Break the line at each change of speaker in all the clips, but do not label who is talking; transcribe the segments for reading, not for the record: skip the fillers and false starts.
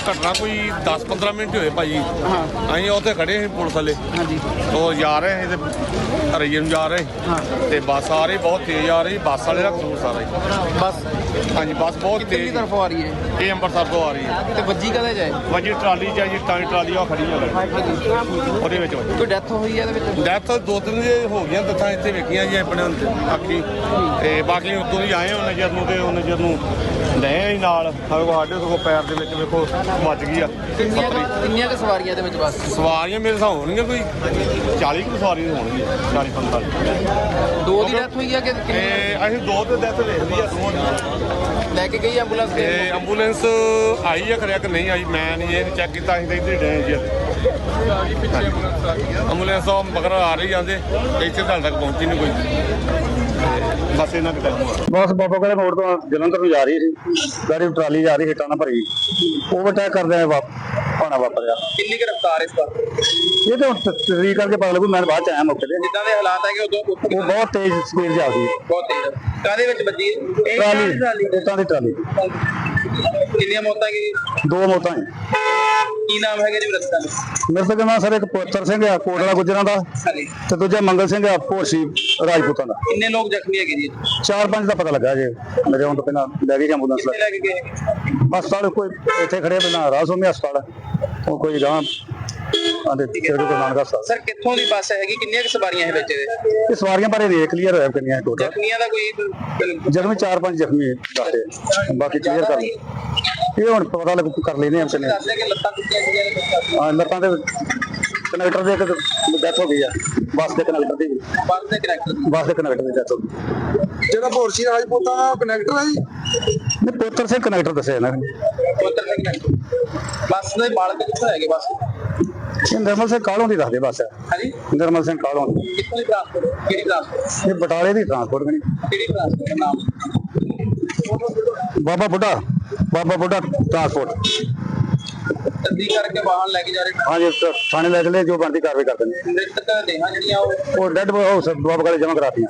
ਘਟਨਾ ਕੋਈ 10-15 ਮਿੰਟ ਹੋਏ ਭਾਜੀ। ਅਸੀਂ ਉੱਥੇ ਖੜੇ ਸੀ ਪੁਲਿਸ ਵਾਲੇ।
ਹਾਂਜੀ।
ਉਹ ਜਾ ਰਹੇ ਸੀ ਤੇ ਹਰੀਏ ਨੂੰ ਜਾ ਰਹੇ ਤੇ ਬੱਸ ਆ ਰਹੀ ਬਹੁਤ ਤੇਜ਼ ਆ ਰਹੀ। ਬੱਸ ਵਾਲੇ ਦਾ ਕਸੂਰ ਸਾਰਾ ਹੀ।
ਬਸ
ਹਾਂਜੀ ਬੱਸ ਬਹੁਤ
ਕਿੱਧਰਲੀ
ਤੇਜ਼
ਤਰਫੋਂ ਆ ਰਹੀ ਹੈ
ਇਹ ਅੰਮ੍ਰਿਤਸਰ ਤੋਂ ਆ ਰਹੀ ਹੈ
ਤੇ ਵੱਜੀ ਕਦੇ ਜਾਏ?
ਵਜੀ ਟਰਾਲੀ ਚ ਜੀ ਤਾਂ ਟਰਾਲੀ ਉਹ ਖੜੀ ਹੈ ਉਹਦੇ ਵਿੱਚ ਵੱਜੀ।
ਕੋਈ ਡੈਥ ਹੋਈ ਹੈ ਇਹਦੇ ਵਿੱਚ?
ਡੈਥ 2-3 ਹੋ ਗਈਆਂ ਦੱਸਾਂ ਇੱਥੇ ਵੇਖੀਆਂ ਜੀ ਆਪਣੇ ਅੱਖੀ ਤੇ ਬਾਕੀ ਉੱਤੋਂ ਦੀ ਆਏ ਉਹਨਾਂ ਨਜ਼ਰ ਨੂੰ ਤੇ ਉਹ ਨਜ਼ਰ ਨੂੰ ਲੈ ਹੀ ਨਾਲ ਸਾਡੇ ਤੋਂ ਪੈਰ ਦੇ ਵਿੱਚ ਵੇਖੋ ਵੱਜ ਗਈ ਆ।
ਕਿੰਨੀਆਂ ਕੁ ਸਵਾਰੀਆਂ ਇਹਦੇ ਵਿੱਚ ਬੱਸ?
ਸਵਾਰੀਆਂ ਮੇਰੇ ਹਿਸਾਬ ਹੋਣਗੀਆਂ ਕੋਈ 40 ਕੁ ਸਵਾਰੀਆਂ ਹੋਣਗੀਆਂ 40-45।
ਦੋ ਦੀ ਡੈਥ ਹੋਈ ਹੈ ਕਿ
ਤੇ ਅਸੀਂ ਦੋ ਤੇ ਡੈਥ ਵੇਖਦੀ ਆ ਦੋਵਾਂ ਦੀ।
ਲੈ ਕੇ ਗਈ ਐਂਬੂਲੈਂਸ?
ਤੇ ਐਂਬੂਲੈਂਸ ਆਈ ਆ ਖਰਿਆ ਕਿ ਨਹੀਂ ਆਈ ਮੈਂ ਨਹੀਂ ਇਹ ਚੈੱਕ ਕੀਤਾ। ਅਸੀਂ ਤਾਂ ਇੱਧਰ ਡਏ ਜੀ ਐਂਬੂਲੈਂਸ ਉਹ ਮਗਰ ਆ ਰਹੀ ਜਾਂਦੇ ਇੱਥੇ ਤੁਹਾਡੇ ਤੱਕ ਪਹੁੰਚੀ ਨਹੀਂ ਕੋਈ। ਬਸ ਇਹਨਾਂ ਦੇ ਟਾਈਮ
ਬਸ ਬਾਬਾ ਕੋਲੇ ਮੋੜ ਤੋਂ ਜਲੰਧਰ ਨੂੰ ਜਾ ਰਹੀ ਸੀ ਗਾੜੀ ਟਰਾਲੀ ਜਾ ਰਹੀ ਹਿੱਟਾਂ ਨਾਲ ਭਰੀ ਓਵਰਟੇਕ ਕਰਦੇ ਆ ਪਾਣਾ ਵਾਪਰਿਆ।
ਕਿੰਨੀ ਕੁ ਰਫ਼ਤਾਰ ਇਸ ਵਾਰ?
ਇਹ ਤਾਂ ਤਸਦੀਕ ਕਰਕੇ ਪਤਾ ਲੱਗੂ। ਮੈਂ ਬਾਅਦ ਚ ਆਇਆ ਮੌਕੇ ਤੇ।
ਜਿੱਦਾਂ ਦੇ ਹਾਲਾਤ ਹੈਗੇ ਉਦੋਂ
ਉਹ ਬਹੁਤ ਤੇਜ਼ ਸਪੀਡ ਜਾਂਦੀ ਹੈ।
ਬਹੁਤ ਤੇਜ਼। ਕਾਹਦੇ ਵਿੱਚ ਵੱਜੀ?
ਟਰਾਲੀ ਹਿੱਟਾਂ ਦੀ ਟਰਾਲੀ।
ਕਿੰਨੀਆਂ ਮੌਤਾਂ ਕੀ?
ਦੋ ਮੌਤਾਂ ਹੈ।
ਕੀ ਨਾਮ ਹੈਗਾ ਜੀ ਰਸਤਾ?
ਮੇਰੇ ਤੋਂ ਕਹਿੰਦਾ ਸਰ ਇੱਕ ਪੁੱਤਰ ਸਿੰਘ ਆ ਕੋਟਲਾ ਗੁੱਜਰਾਂ ਦਾ
ਹਾਂਜੀ।
ਤੇ ਦੂਜਾ ਮੰਗਲ ਸਿੰਘ ਆ ਭੋਸੀ ਰਾਜਪੂਤਾਂ ਦਾ।
ਕਿੰਨੇ ਲੋਕ ਜ਼ਖਮੀ ਹੈਗੇ ਜੀ?
4-5 ਦਾ ਪਤਾ ਲੱਗਾ ਜੇ ਮੇਰੇ ਆਉਣ ਤੋਂ ਪਹਿਲਾਂ ਲੈ ਗਏ ਐਂਬੂਲੈਂਸ
ਕਿੱਥੇ ਲੈ ਕੇ ਗਏ?
ਹਸਪਤਾਲ ਕੋਈ ਇੱਥੇ ਖੜੇ ਪਹਿਲਾਂ ਰਾਸੋਮੀ ਹਸਪਤਾਲ ਉਹ ਕੋਈ ਗਾਂ ਆਂਦੇ ਤੇਰੇ ਕੋਲ ਨਾਨਕਾ ਹਸਪਤਾਲ।
ਸਰ ਕਿੱਥੋਂ ਦੀ ਬੱਸ ਹੈਗੀ? ਕਿੰਨੀਆਂ ਕੁ ਸਵਾਰੀਆਂ ਹੈ ਵਿੱਚ ਇਹਦੇ?
ਇਹ ਸਵਾਰੀਆਂ ਬਾਰੇ ਨਹੀਂ ਕਲੀਅਰ ਹੋਇਆ ਕਿੰਨੀਆਂ ਟੋਟਲ।
ਜ਼ਖਮੀਆਂ ਦਾ ਕੋਈ
ਜ਼ਖਮੀ 4-5 ਜ਼ਖਮੀ ਦੱਸਦੇ ਬਾਕੀ ਕਲੀਅਰ ਕਰ ਇਹ ਹੁਣ ਪਤਾ ਲੱਗ ਕਰ ਲੈਨੇ ਆ ਕਿੰਨੇ।
ਦੱਸਦੇ ਕਿ ਲੱਤਾਂ ਟੁੱਟੀਆਂ ਸੀਗੀਆਂ?
ਹਾਂ ਲੱਤਾਂ ਦੇ ਕਨੈਕਟਰ ਦੇ ਇੱਕ ਡੈਥ ਹੋ ਗਈ ਆ ਬੱਸ ਦੇ ਕਨੈਕਟਰ ਦੀ।
ਬੱਸ ਦੇ ਕਨੈਕਟਰ?
ਬੱਸ ਦੇ ਕਨੈਕਟਰ ਦੀ ਡੈਥ ਹੋ ਗਈ।
ਜਿਹੜਾ ਭੋਰਸੀ ਰਾਜਪੂਤਾਂ ਦਾ ਕਨੈਕਟਰ ਹੈ ਜੀ?
ਨਹੀਂ ਪੁੱਤਰ ਸਿੰਘ ਕਨੈਕਟਰ ਦੱਸਿਆ ਇਹਨਾਂ ਨੇ।
ਪੁੱਤਰ ਸਿੰਘ ਕਨੈਕਟਰ। ਬੱਸ ਦੇ ਮਾਲਕ ਕਿੱਥੋਂ ਹੈਗੇ ਬੱਸ?
ਇਹ ਨਿਰਮਲ ਸਿੰਘ ਕਾਲੋਂ ਦੀ ਦੱਸਦੇ ਬੱਸ
ਹਾਂਜੀ।
ਨਿਰਮਲ ਸਿੰਘ ਕਾਲੋਂ ਦੀ।
ਕਿੱਥੋਂ ਦੀ ਟ੍ਰਾਂਸਪੋਰਟ? ਕਿਹੜੀ ਟ੍ਰਾਂਸਪੋਰਟ?
ਇਹ ਬਟਾਲੇ ਦੀ ਟਰਾਂਸਪੋਰਟ ਬਣੀ।
ਕਿਹੜੀ ਟ੍ਰਾਂਸਪੋਰਟ ਦਾ ਨਾਮ?
ਬਾਬਾ ਬੁੱਢਾ ਟਰਾਂਸਪੋਰਟ।
ਤਸਦੀਕ ਕਰਕੇ ਵਾਹਨ ਲੈ ਕੇ ਜਾ ਰਹੇ
ਹਾਂਜੀ ਥਾਣੇ ਲੈ ਚਲੇ ਜੋ ਬਣਦੀ ਕਾਰਵਾਈ ਕਰਦੇ ਨੇ।
ਮ੍ਰਿਤਕ ਦੇਹਾਂ ਜਿਹੜੀਆਂ
ਉਹ ਡੈਡ ਹਾਊਸ ਬਾਬਾ ਕੋਲੇ ਜਮ੍ਹਾਂ ਕਰਾਤੀਆਂ।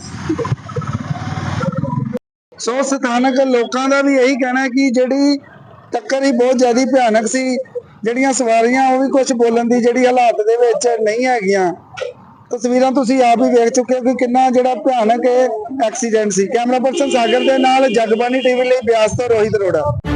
ਸੋ ਸਥਾਨਕ ਲੋਕਾਂ ਦਾ ਵੀ ਇਹੀ ਕਹਿਣਾ ਹੈ ਕਿ ਜਿਹੜੀ ਟੱਕਰ ਹੀ ਬਹੁਤ ਜ਼ਿਆਦਾ ਭਿਆਨਕ ਸੀ। ਜਿਹੜੀਆਂ ਸਵਾਰੀਆਂ ਉਹ ਵੀ ਕੁਝ ਬੋਲਣ ਦੀ ਜਿਹੜੀ ਹਾਲਾਤ ਦੇ ਵਿੱਚ ਨਹੀਂ ਹੈਗੀਆਂ। ਤਸਵੀਰਾਂ ਤੁਸੀਂ ਆਪ ਹੀ ਵੇਖ ਚੁੱਕੇ ਹੋ ਕਿ ਕਿੰਨਾ ਜਿਹੜਾ ਭਿਆਨਕ ਐਕਸੀਡੈਂਟ ਸੀ। ਕੈਮਰਾ ਪਰਸਨ ਸਾਗਰ ਦੇ ਨਾਲ ਜਗਬਾਣੀ ਟੀਵੀ ਲਈ ਬਿਆਸ ਤੋਂ ਰੋਹਿਤ ਅਰੋੜਾ।